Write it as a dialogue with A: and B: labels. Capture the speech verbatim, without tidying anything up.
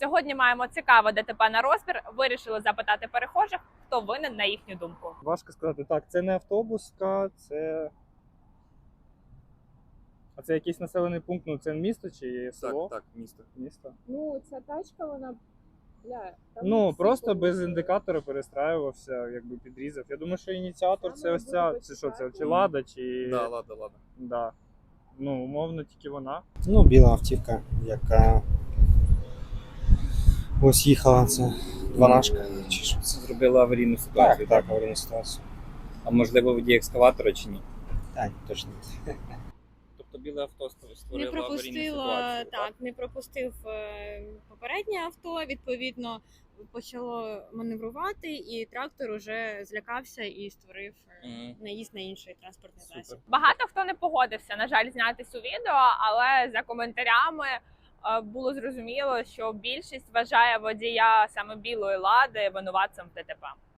A: Сьогодні маємо цікаве ДТП на розбір. Вирішили запитати перехожих, хто винен на їхню думку.
B: Важко сказати. Так, це не автобуска, це. А це якийсь населений пункт, ну це місто чи село?
C: Так, так, місто.
B: Місто.
D: Ну, ця тачка, вона, бля, там
B: Ну,
D: всі
B: просто
D: порушили.
B: без індикатора перестраювався, якби підрізав. Я думаю, що ініціатор
D: Там
B: це
D: має
B: ось ця,
D: бути
B: це що це,
D: почитати.
B: чи Лада, чи.
C: Да, ладно, ладно.
B: Да. Ну, умовно, тільки вона.
E: Ну, біла автівка, яка ось їхала, це дванашка. Чи що це?
F: Зробила аварійну ситуацію.
E: Так, так, аварійна ситуація.
F: А можливо, водій екскаватора чи ні?
E: Так, точно.
F: Тобто біле авто
G: Не
F: створило аварійну
G: пропустило,
F: ситуацію.
G: так, не пропустив е, попереднє авто, відповідно, почало маневрувати, і трактор уже злякався і створив е,
F: Мгм.
G: наїзд на інший транспортний
F: Супер.
G: засіб.
A: Багато хто не погодився, на жаль, знятись у відео, але за коментарями е, було зрозуміло, що більшість вважає водія саме білої лади винуватцем в ДТП.